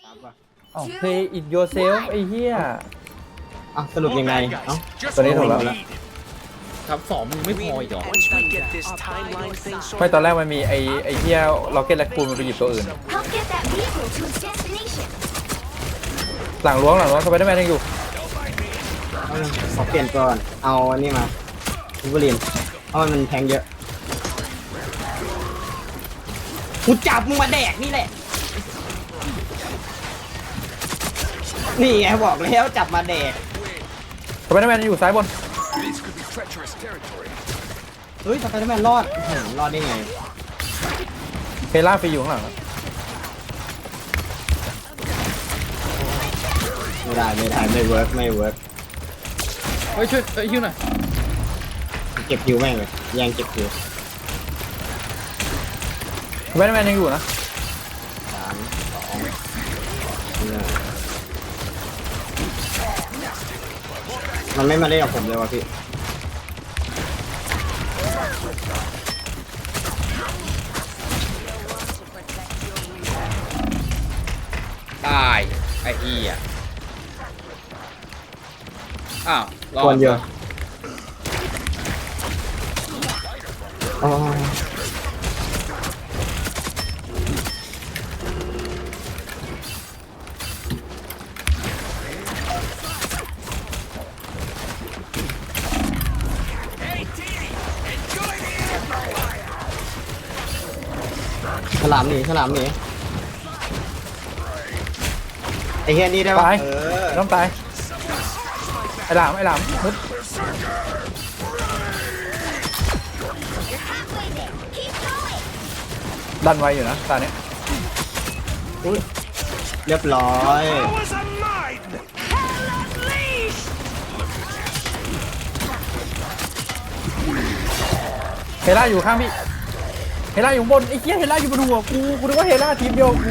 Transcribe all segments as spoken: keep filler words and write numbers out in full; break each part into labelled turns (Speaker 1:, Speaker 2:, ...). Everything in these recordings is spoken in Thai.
Speaker 1: อ๋อ play it yourself ไอ้เหี้ย
Speaker 2: อ่ะสรุปยังไงเอ้า
Speaker 1: ตัวนี้ถูกแล้ว
Speaker 3: ทับสองมึงไม่พออีกเหรอ
Speaker 4: Once we get this timeline thing
Speaker 1: ไม่
Speaker 4: sorted,
Speaker 1: ตอนแรกมันมีไอ้ไอ้เหี้ยล็อกเก็ตแลกคูนมันไปหยิบตัวอื่น
Speaker 5: Help get that vehicle to its destination.
Speaker 1: หลังล้วงหลังล้วงสไปเดอร์แมนยังอยู่
Speaker 2: เอาเลยขอเปลี่ยนก่อนเอาอันนี้มาวูล์ฟเวอรีนเพราะมันแทงเยอะกูจับมึงมาแดกนี่แหละนี่ไงบอกแล้วจับมาแดก
Speaker 1: สไปเดอร์แมนอยู่ซ้ายบน
Speaker 2: เฮ้ยสไปเดอร์แมนรอดอื้อหือรอดได้ไง
Speaker 1: เพล่าฟรีอยู่ข้างหลังนะ
Speaker 2: ไม่ได้ไม่ได้ไม่เวิร์กไม่เวิร์ก
Speaker 3: เฮ้ยช่วยเอ้ยฮิวหน่อย
Speaker 2: เก็บคิวแม่งเลยแย่งเก็บคิว
Speaker 1: สไปเดอร์แมนยังอยู่นะ
Speaker 2: สามสองหนึ่งมันไม่มาเล่นกับผมเลยวะพี่
Speaker 3: ตายไอ้เหี้ยอ้าวรอ
Speaker 2: ควรเยอะ
Speaker 3: ด
Speaker 2: อ๋อฉลามหนีฉลามหนีไอ้เฮียนี่ได้ปะ
Speaker 1: ตาย
Speaker 2: เออ
Speaker 1: ต้องตายไอ้หลามไอ้หลามมึด
Speaker 5: Halfway there. Keep going.
Speaker 1: ดันไวอยู่นะตาเนี้ย
Speaker 2: อุ๊ยเรียบร้อย
Speaker 1: เฮล่าอยู่ข้างพี่เฮล่าอยู่บนไอ้เหี้ยเฮล่าอยู่บนหัวกูกูนึกว่าเฮล่าทีมเดียวกู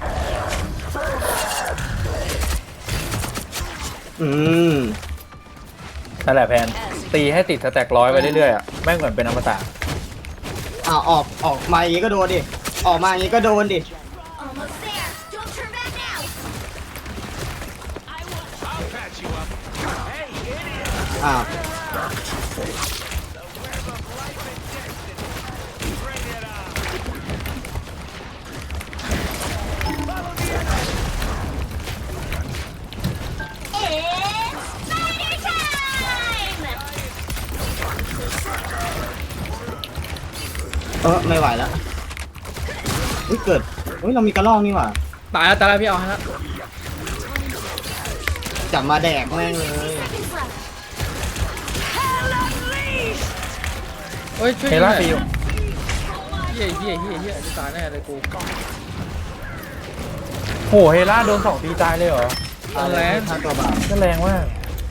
Speaker 2: อืม
Speaker 1: นั่นแหละแพนตีให้ติดสแต็กร้อยไปเรื่อยๆอ่ะแม่งเหมือนเป็นอมตะ
Speaker 2: อ่าออกออกมาอย่างงี้ก็โดนดิ ออกมาอย่างงี้ก็โดนดิ
Speaker 5: Almost there. Don't turn back now.
Speaker 2: อ้าว
Speaker 5: It's spider time.
Speaker 2: เออไม่ไหวแล้วอุ้ยเกิดอุ้ยเรามีกระรอกนี่หว่า
Speaker 3: ตายแล้วตายแล้วพี่เอาฮะ
Speaker 2: จับมาแดกแม่งเลย
Speaker 5: Seconds left.
Speaker 3: เฮ้ยช่วย
Speaker 1: เฮ
Speaker 3: ยิงห
Speaker 1: ล่า
Speaker 3: น่อย
Speaker 1: ฟรีอยู่
Speaker 3: เฮียเฮียเฮียเฮียจะตายแน่เลยกู
Speaker 1: โหเฮล่าโดนสองตีตายเลยเหรอ
Speaker 3: เอาแล้ว
Speaker 2: ถ้าตัวบาป
Speaker 1: ก็แรงมาก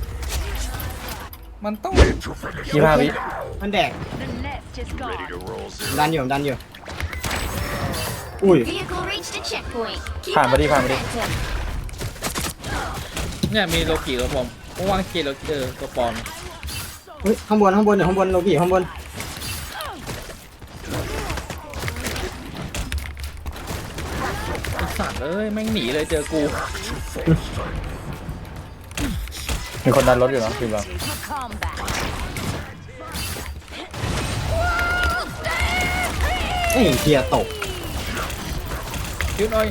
Speaker 3: มันต้อง
Speaker 1: ยี่ห้าวิ
Speaker 2: มันแดกดันอยู่ดันอยู่อุ้ย
Speaker 5: Vehicle reached a checkpoint. Keep
Speaker 1: ผ่าน
Speaker 5: up
Speaker 1: มาดิ
Speaker 5: the
Speaker 1: ผ่านมาดิ
Speaker 5: momentum.
Speaker 3: เนี่ยมีโลกิกับผมผมวางเกลโลเออตัวปลอม
Speaker 2: อุ้ยข้างบนข้างบนอยู่ข้างบนโลกี้ข้างบน
Speaker 3: ไอ้สัตว์เอ้ยแม่งหนีเลยเจอกู
Speaker 1: มีคนดันรถอยู่เนาะทีมเรา
Speaker 2: เอ้ยเกียร์ตก
Speaker 3: คิวหน่อย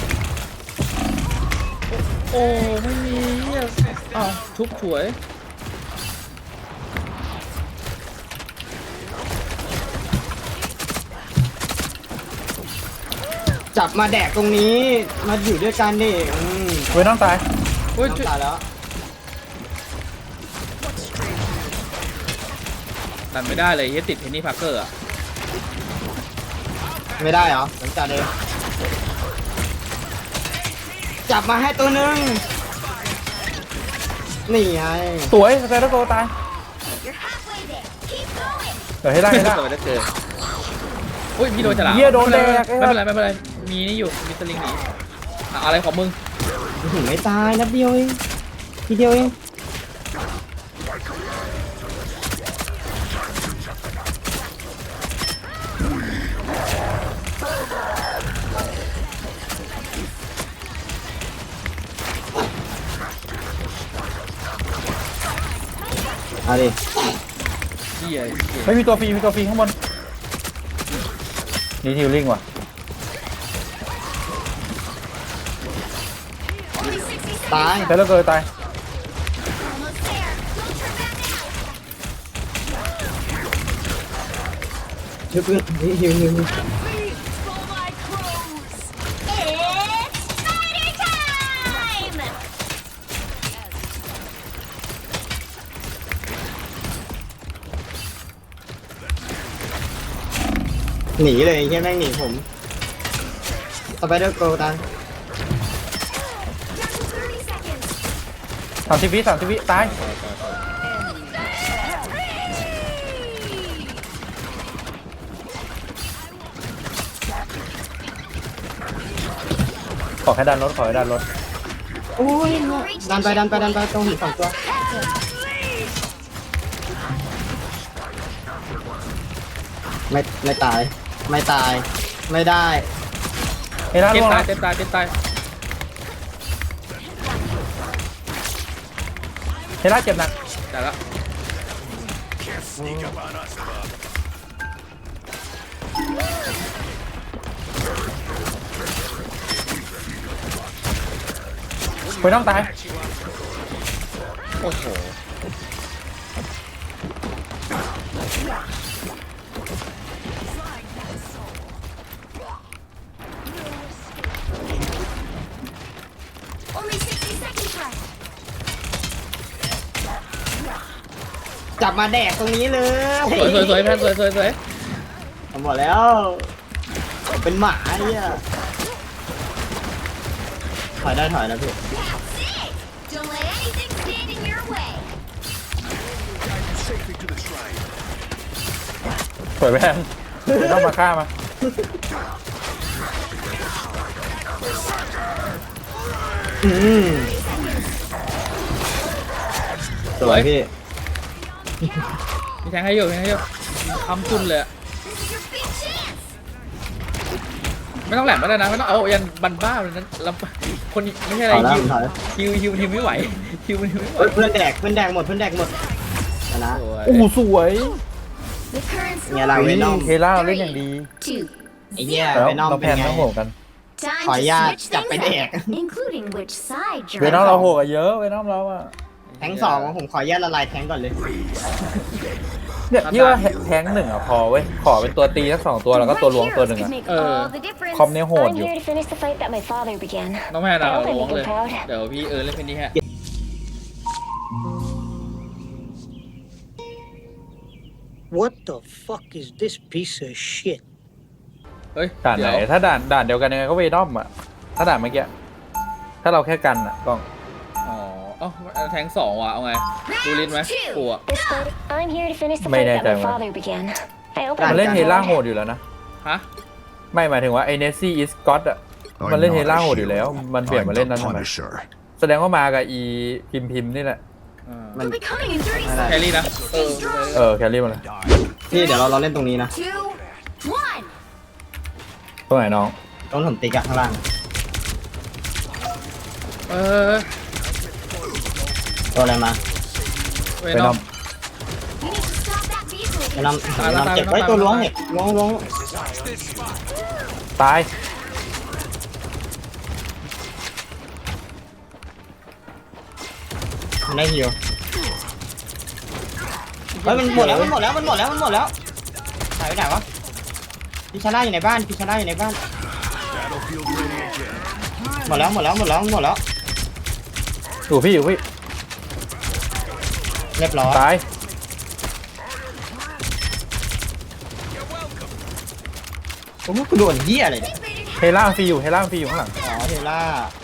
Speaker 3: โอ้โอ้ไม่มีเหี้ยอ้าวชุบฉวย
Speaker 2: จับมาแดกตรงนี้ มาอยู่ด้วยกันดิอืม
Speaker 1: เว้ยน้องตาย
Speaker 3: เฮ้ยช่วย
Speaker 2: น้ำตายแล้ว
Speaker 3: ตัดไม่ได้เลยเฮียติดเทนนี่พาร์เกอร์อะ
Speaker 2: ไม่ได้เหรอผมจัดเลยจับมาให้ตัวหนึ่งนี่ไง
Speaker 1: สวยสเตอร์โกตาย
Speaker 5: You're halfway there. Keep going.
Speaker 1: เดี๋ยวเฮล่าเฮล่า
Speaker 3: เกิดได้เจออุ้ยพี่โดนฉลาม
Speaker 1: เหี้ยโดนแดก
Speaker 3: ไม่เป็นไรไม่เป็นไรมีนี่อยู่มีสลิงหนีอ่ะอะไรของมึง
Speaker 2: อื้อหือไม่ตายนัดเดียวเองทีเดียวเองเอาดิ
Speaker 3: เหี้ยเหี้ย
Speaker 1: ไม่มีตัวฟรีมีตัวฟรีข้างบนนี่ฮิลลิ่งว่ะ
Speaker 5: Only sixty seconds.
Speaker 2: ตาย
Speaker 1: แต่แล้วเกิดตาย
Speaker 5: Almost there. Don't turn back now.
Speaker 2: ฮิวเพื่อนฮิวฮิวฮิว
Speaker 5: For my crows. It's spider time.
Speaker 2: หนีเลยแค่แม่งหนีผมสไปเดอร์โกลตาย
Speaker 5: Down to thirty seconds.
Speaker 1: สามสิบวิสามสิบวิตายขอแค่ดันรถขอแค่ดันรถ
Speaker 2: โอ้ยดันไปดันไปดันไปตรงหินสองตัวไม่ไม่ตายไม่ตายไม่ได้
Speaker 1: เฮล่า
Speaker 3: เจ็
Speaker 1: ล่
Speaker 3: บ
Speaker 1: วง
Speaker 3: ตา
Speaker 1: แล้
Speaker 3: ยว เจ็บตายเจ็บตาย
Speaker 1: เฮล่าเจ็บหนัก
Speaker 3: แต่ละ
Speaker 1: ไปน้องตาย
Speaker 3: โอ้โห
Speaker 5: Only sixty seconds left.
Speaker 2: จับมาแดกตรงนี้เลย
Speaker 3: สวยสวยสวยแพนสวยสวยสวย
Speaker 2: ผมบอกแล้ว เป็นหมาเนี่ยถอยได้ถอยนะพี่
Speaker 5: That's it. Don't let anything stand in your way.
Speaker 1: สวยแพนไม่ต้องมาฆ่ามา
Speaker 2: อืมสวยพี่
Speaker 3: มีแทงให้อยู่แทงให้อยู่คำจุนเลยอะ
Speaker 5: This is your big chance.
Speaker 3: ไม่ต้องแหลมก็ได้นะไม่ต้องเอายันบันบ้าเลยนั้นลำคนไม่ใช่อะไร
Speaker 2: ถอยแล้ว
Speaker 3: ฮิว
Speaker 2: ถอย
Speaker 3: ฮิวฮิวฮิวไม่ไหวฮิวฮิวไม่ไหว
Speaker 2: เฮ้ยเพื่อนแดกเพื่อนแดกหมดเพื่อนแดกหมดชนะ
Speaker 3: สวย
Speaker 1: โอ้โหสวย
Speaker 5: The current
Speaker 2: เนี่ยเราเวนอม
Speaker 1: เฮล่าเล่นอย่างดี
Speaker 5: two.
Speaker 2: ไอ้เหี้ย
Speaker 1: แล้ว
Speaker 2: เวนอม
Speaker 1: เรา
Speaker 2: เป็
Speaker 1: แพ
Speaker 2: น
Speaker 1: น
Speaker 2: ไง
Speaker 1: ต้องโหกัน
Speaker 5: Time
Speaker 2: ขออนุญาต
Speaker 5: to switch
Speaker 2: จับไป
Speaker 5: things
Speaker 2: แดก
Speaker 5: up, including which side
Speaker 1: เว
Speaker 5: you're
Speaker 1: น้อง
Speaker 5: on.
Speaker 1: เราโหกันเยอะเวน้องเราอะ
Speaker 2: แทงสองผมขออนุญาตละลายแทงก่อนเลย
Speaker 1: เนี่ยพี่ว่าแทงหนึ่งอะพอเว้ยขอเป็นตัวตีสักสองตัวแล้วก็ตัวล้วงตัวหนึ่ง
Speaker 5: Could
Speaker 1: อะ
Speaker 5: make
Speaker 3: Uh,
Speaker 5: all the difference.
Speaker 1: คอมเนี่ยโหด
Speaker 6: I'm
Speaker 1: อยู่
Speaker 6: here to finish the fight that my father began.
Speaker 3: น้องแพนอะ
Speaker 6: I hope I
Speaker 3: ล้วง
Speaker 6: make
Speaker 3: เล
Speaker 6: him
Speaker 3: ย
Speaker 6: proud.
Speaker 3: เดี๋ยวพี่เออเล่นเพลงนี้ฮะ
Speaker 7: What the fuck is this piece of shit?
Speaker 3: เฮ้ย
Speaker 1: ด่านไหน
Speaker 3: เดี๋ยว
Speaker 1: ถ้าด่านด่านเดียวกันยังไงก็เวนอมอะถ้าด่านเมื่อกี้ถ้าเราแค่กันอะกล้อง
Speaker 3: อ๋อเอ้าแทงสองว่ะเอาไงดูลิ้นไหมกลัว
Speaker 6: This fight, I'm here to finish the
Speaker 1: May
Speaker 6: fight that my
Speaker 1: not,
Speaker 6: father began. I hope
Speaker 1: มัน
Speaker 6: I
Speaker 1: เล่น
Speaker 6: make
Speaker 1: เฮ
Speaker 6: him
Speaker 1: ล่าโห
Speaker 6: proud.
Speaker 1: ดอยู่แล้วนะ
Speaker 3: ฮะ
Speaker 1: ไม่หมายถึงว่าไอเนสซี่อิสกอตอะมันเล่นเฮล่าโหดอยู่แล้ว มันเปลี่ยนมาเล่นนั้นทำไม
Speaker 8: Punisher.
Speaker 1: แสดงว่ามากับอีพิมพิมนี่แหละ
Speaker 3: อ่า
Speaker 5: They'll be coming in thirty
Speaker 2: ไม่ได้
Speaker 3: แค
Speaker 5: seconds.
Speaker 3: รี่นะเออ
Speaker 1: เออแครี่มาเลย
Speaker 2: พี่เดี๋ยวเราเราเล่นตรงนี้นะ
Speaker 5: Two, one.
Speaker 1: ตรงไหนน้อง
Speaker 2: ต้องผมติ๊กอะข้างล่าง
Speaker 3: เออ
Speaker 2: ตัวอะไรมา
Speaker 3: เว
Speaker 1: เวน
Speaker 3: น
Speaker 1: อ
Speaker 3: อ
Speaker 1: ม
Speaker 3: ม
Speaker 5: You need to stop that vehicle.
Speaker 2: เวนอม
Speaker 3: ตาย
Speaker 2: เวนอม
Speaker 3: ตาย
Speaker 2: เจ็บ
Speaker 3: ตาย
Speaker 2: ไว้ย
Speaker 3: ตาย
Speaker 2: ตัวล้วง
Speaker 3: ตาย
Speaker 2: เห็ดล้วงล้วง
Speaker 1: ตาย
Speaker 2: มันได้ฮิวเฮ้ยมันหมดแล้วมันหมดแล้วมันหมดแล้วมันหมดแล้วหายไปไหนวะพิชาร่าอยู่ในบ้านพิชาร่าอยู่ในบ้านหมดแล้วหมดแล้วหมดแล้วหมดแล้ว
Speaker 1: อยู่พี่อยู่พี่
Speaker 2: เรียบร้อย
Speaker 1: ตาย
Speaker 2: โอ้โหกูโดนเหี้ยอะไรเนี่ย
Speaker 1: เฮล่าฟรีอยู่เฮล่าฟรีอยู่ข้างหลัง
Speaker 2: อ๋อเทล่า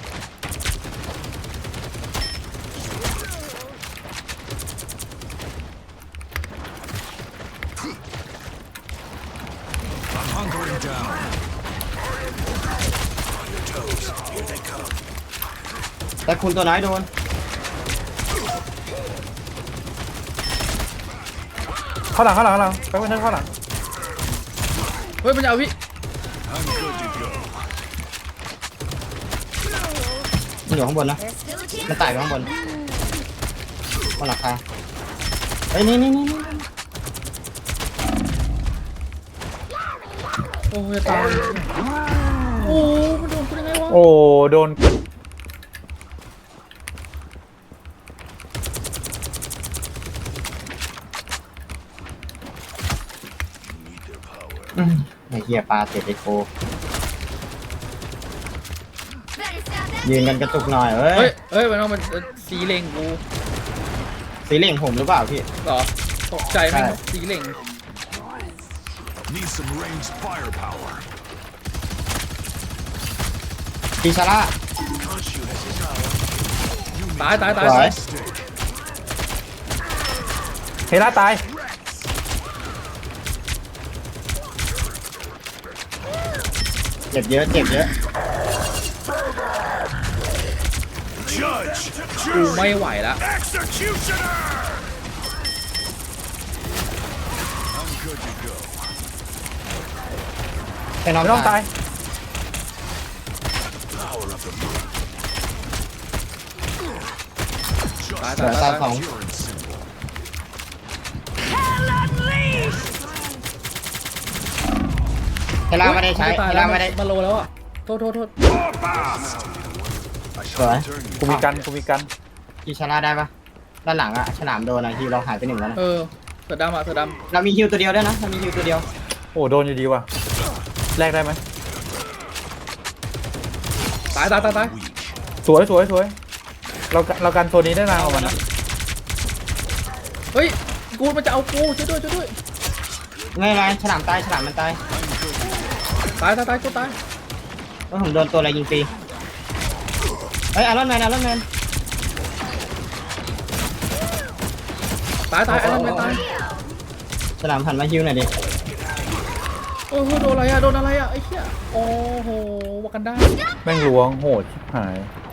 Speaker 8: Hunkering down.
Speaker 2: แต่คุณตัวน้อยโดน
Speaker 1: เข้าหลังเข้าหลังเข้าหลังไปเพื่อนเข้าหลัง
Speaker 3: เฮ้ยมันจะเอาพี่
Speaker 8: I'm good to go.
Speaker 2: มันอยู่ข้างบนนะ
Speaker 5: There's still a chance.
Speaker 2: มันไต่ไปข้างบนบนหลังคาเฮ้ยนี่นี่นี่
Speaker 3: โอ้ยจะตายโอ้มันโดนกูยังไงวะ
Speaker 1: โอ้โดน
Speaker 2: ไอ้เหี้ยปลาเสร็จไอ้โค
Speaker 5: Better stop that.
Speaker 2: ยืนกันกระตุกหน่อยเอ้
Speaker 3: เฮ้ย
Speaker 2: ย
Speaker 3: เฮ้ยมันเอามันสีเหล่งกู
Speaker 2: สีเหล่งผมหรือเปล่าพี่
Speaker 3: เหรอตกใจไหม
Speaker 2: ใช่
Speaker 3: สีเหล่ง
Speaker 8: Need some ranged firepower.
Speaker 2: ปีชาร่า
Speaker 3: ตายตายตาย
Speaker 2: สวย
Speaker 3: ตาย
Speaker 1: เฮล่าตาย
Speaker 2: เจ็บเยอะเจ็บเยอะ
Speaker 8: Judge,
Speaker 3: กู
Speaker 8: jury,
Speaker 3: ไม่ไหวแล้ว
Speaker 8: executioner. I'm good to go.
Speaker 2: แค่น้อง
Speaker 1: ไม่ต้องตาย
Speaker 8: Power of the moon.
Speaker 3: ตาย
Speaker 2: เห
Speaker 3: ตา
Speaker 2: ลื
Speaker 3: ย
Speaker 2: อ
Speaker 3: ตา
Speaker 2: ตาย สอง
Speaker 8: Pure and simple.
Speaker 2: เทล่าไม่ได้ใช้
Speaker 3: ตาย
Speaker 2: เท
Speaker 3: แล้
Speaker 2: ล่าว ไม่ได้
Speaker 3: มาโลแล้วอ่ะโทษโทษโทษ
Speaker 8: More fast. I shall
Speaker 2: Rồi.
Speaker 8: return you.
Speaker 1: กูมีกันกูมีกัน
Speaker 2: ปีชาร่าได้ปะด้านหลังอะฉลามโดนอะฮิวเราหายไปหนึ่งแล้วนะ
Speaker 3: เออเสือดำอ่ะเสือด
Speaker 2: เรามีฮิวตัวเดียวด้วยนะเรามีฮิวตัวเดียว
Speaker 1: โอ้โดนอยู่ดีว่ะแลกได้ไหม
Speaker 3: ำตายตายตายตาย
Speaker 8: Weak.
Speaker 1: สวยสวยสวยเราเรากันโซนนี้ได้นานกว่ามันนะ
Speaker 3: เฮ้ยกูมันจะเอากูช่วยด้วยช่วยด้วย
Speaker 2: ไม่เป็นไรฉลามตายฉลามมันตาย
Speaker 3: ตายตายตายกูตาย
Speaker 2: ว่าผมโดนตัวอะไรยิงฟรีเฮ้ยอารอนแมนอารอนแมน
Speaker 3: ตายตายไอ้นั่นไม่ตาย
Speaker 2: ฉลามหันมาฮิวหน่อยดิ
Speaker 3: โอ้โหโดนอะไรอ่ะโดนอะไรอ่ะไอ้เหี้ยโอ้โหวากันได้
Speaker 1: แม่งล้วงโหดชิบหาย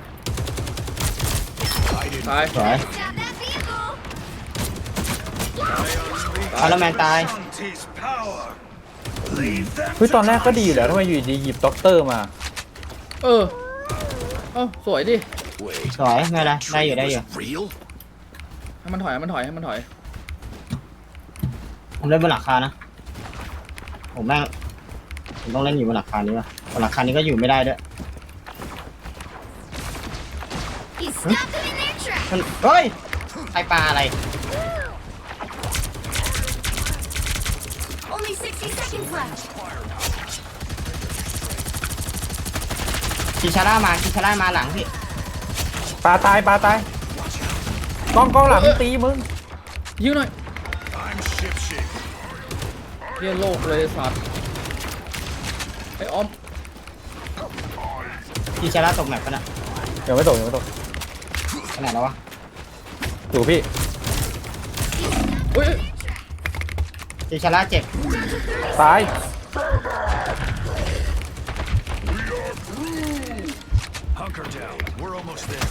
Speaker 3: ตาย
Speaker 2: สวย
Speaker 5: Stop that vehicle.
Speaker 2: อารอนแมนตาย
Speaker 8: Auntie's power. Leave them
Speaker 1: เฮ้ยตอนแรกก็ดีอยู่แล้วทำไมอยู่ดีหยิบด็อกเตอร์มา
Speaker 3: เออเอ้าสวยดิ
Speaker 8: Wait.
Speaker 2: สวยไม่เป็นไรได้อยู่ได้อยู่
Speaker 8: Real?
Speaker 3: ให้มันถอยให้มันถอยให้มันถอย
Speaker 2: ผมเล่นบนหลังคานะผมแม่งผมต้องเล่นอยู่บนหลังคานี้ว่ะบนหลังคานี้ก็อยู่ไม่ได้ด้วย
Speaker 5: You stopped them in their tracks.
Speaker 2: มันเฮ้ยไอปลาอะไร
Speaker 5: Only sixty seconds left.
Speaker 2: คิชาร่ามาคิชาร่ามาหลังพี่
Speaker 1: ปลาตายปลาตายกล้องกล้องหลังตีมึง
Speaker 3: ยิงหน่อย
Speaker 8: I'm ship shape.
Speaker 3: เรียนโลกเลยสัตว์ไอ้ออม
Speaker 2: คิชาร่าตกแมปปะน่ะ
Speaker 1: ยังไม่ตกยังไม่ตก
Speaker 2: ขนาดแล้ววะ
Speaker 1: อยู่พี่
Speaker 3: เฮ้ย
Speaker 2: คิชาร่าเจ็บ
Speaker 1: ตาย
Speaker 8: Hunker down. We're almost there.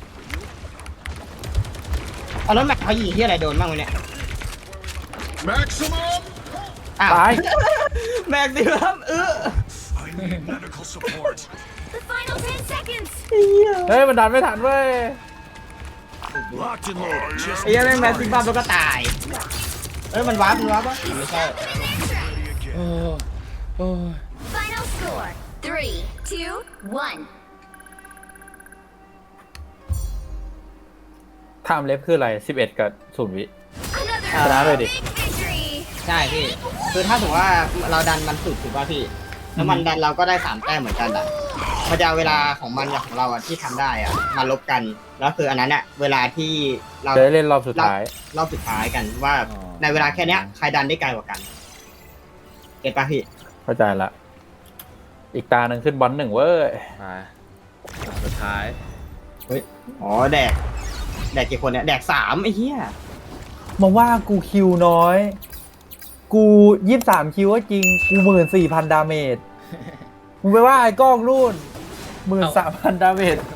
Speaker 2: เอาแล้วแม็กเขายิงที่อะไรโดนบ้างวะเนี่ย
Speaker 8: Maximum.
Speaker 2: อ้าว
Speaker 1: ตาย
Speaker 2: แม็กดิครับเออ
Speaker 8: I need medical support.
Speaker 5: The final ten seconds.
Speaker 1: เฮ้ยมันดันไม่ทันเว้ย
Speaker 8: Locked and loaded. Just
Speaker 2: ไอ้เหี้ยังแม่งแม็กซิบัมแล้วก็ตายเอ้ยมันวาร์ปมันวาร์ปปะไม่ใช่
Speaker 3: โอ้โอ้
Speaker 5: Final score: three, two, one.
Speaker 1: ไทม์เล็บคืออะไรสิบเอ็ดกับศูนย์วิ
Speaker 5: Another
Speaker 1: ชนะเลยดิ
Speaker 5: big victory.
Speaker 2: ใช่พี่คือถ้าสมมติว่าเราดันมันสุดถูกป่ะพี่แล้วมันดันเราก็ได้สามแต้มเหมือนกันอ่ะมันจะเอาเวลาของมันกับของเราอ่ะที่ทำได้อ่ะมาลบกันแล้วคืออันนั้นอ่ะเวลาที่เรา
Speaker 1: จะได้เล่นรอบสุดท้าย
Speaker 2: รอบสุดท้ายกันว่าในเวลาแค่เนี้ยใครดันได้ไกลกว่ากันเก็ตป่ะพี่
Speaker 1: เข้าใจละ อีกตาหนึ่งขึ้นบอลหนึ่งเว้ย
Speaker 3: ไปสุดท้าย
Speaker 2: เฮ้ยอ๋อแดกแดกกี่คนเนี่ยแดกสามไอ้เหี้ย
Speaker 1: มาว่ากูคิวน้อย กูยี่สิบสามคิวก็จริง กูหมื่นสี่พันดาเมจ มึงไปว่าไอ้กล้องรุ่นหมื่นสามพันดาเมจ